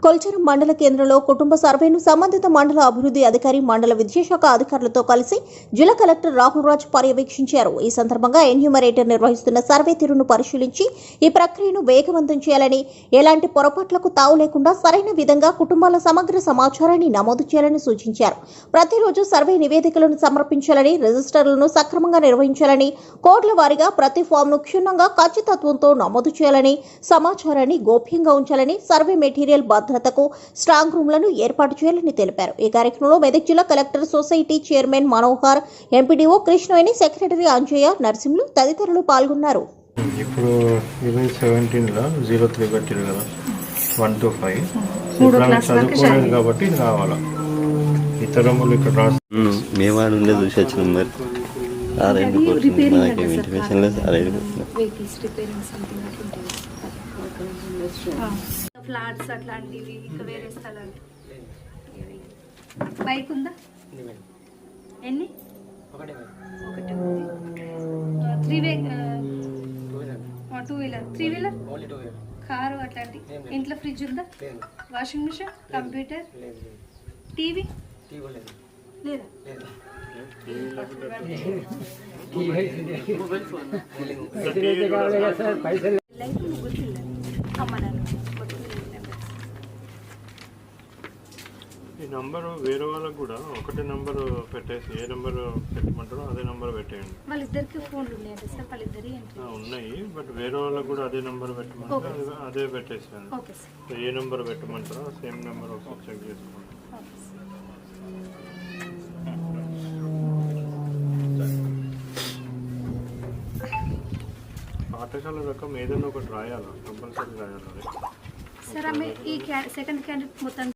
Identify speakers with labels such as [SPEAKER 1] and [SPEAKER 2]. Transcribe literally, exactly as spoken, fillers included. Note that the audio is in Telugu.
[SPEAKER 1] కొల్చారం మండల కేంద్రంలో కుటుంబ సర్వేను సంబంధిత మండల అభివృద్ధి అధికారి మండల విద్యాశాఖ అధికారులతో కలిసి జిల్లా కలెక్టర్ రాహుల్ రాజ్ పర్యవేక్షించారు. ఈ సందర్భంగా ఎన్యూమరేటర్ నిర్వహిస్తున్న సర్వే తీరును పరిశీలించి ఈ ప్రక్రియను వేగవంతం చేయాలని, ఎలాంటి పొరపాట్లకు తావు లేకుండా సరైన విధంగా కుటుంబాల సమగ్ర సమాచారాన్ని నమోదు చేయాలని సూచించారు. ప్రతిరోజు సర్వే నివేదికలను సమర్పించాలని, రిజిస్టర్లను సక్రమంగా నిర్వహించాలని, కోడ్ల వారీగా ప్రతి ఫామ్ను క్షుణ్ణంగా ఖచ్చితత్వంతో నమోదు చేయాలని, సమాచారాన్ని గోప్యంగా ఉంచాలని, సర్వే మెటీరియల్ భద్రతకు స్ట్రాంగ్ రూమ్లను ఏర్పాటు చేయాలని తెలిపారు. ఈ కార్యక్రమంలో మెదక్ జిల్లా collector, society chairman Manohar, MPDO Krishnaveni, secretary Anjaiah, Narsimhulu తదితరులు పాల్గొన్నారు.
[SPEAKER 2] ఇప్పుడు ఈవెన్ సెవెంటీన్ లో జీరో త్రీ పెట్టారు కదా, వన్ టు ఫైవ్ చదువుకోలేదు కాబట్టి ఇది కావాలా. ఇతరములు ఇక్కడ రాసి
[SPEAKER 3] మేమాడు ఉండే చూసి వచ్చినాం. మరి ఆ రెండు మనకేమి ఇంటిమేషన్ లేదు. ఆ రెండు
[SPEAKER 4] ఫ్లాట్స్ అట్లాంటివి, ఇంకా వేరే స్థలాలు. బైక్ ఉందా? ఎన్ని? ఒకటి three way two wheeler three wheeler car అట్లాంటి. ఇంట్లో ఫ్రిడ్జ్ ఉందా? వాషింగ్ మిషన్, కంప్యూటర్, టీవీ లేదా?
[SPEAKER 2] ఈ నంబర్ వేరే వాళ్ళకి కూడా ఒకటే నంబర్ పెట్టేసి, ఏ నంబర్ పెట్టమంటారో అదే నంబర్ పెట్టేయండి.
[SPEAKER 4] వాళ్ళిద్దరికి ఫోన్లు ఉన్నాయండి సార్, వాళ్ళిద్దరి
[SPEAKER 2] ఉన్నాయి. బట్ వేరే వాళ్ళకి కూడా అదే నంబర్ పెట్టమంటారు, అదే పెట్టేసాను. ఏ నంబర్ పెట్టమంటారో సేమ్ నెంబర్ ఒకసారి చెక్ చేసుకోండి. పాఠశాల రకం ఏదైనా ఒకటి రాయాలా, కంపల్సరీ రాయాలి.
[SPEAKER 4] సార్ ఆమె ఈ సెకండ్ క్యాండిడేట్ మొత్తం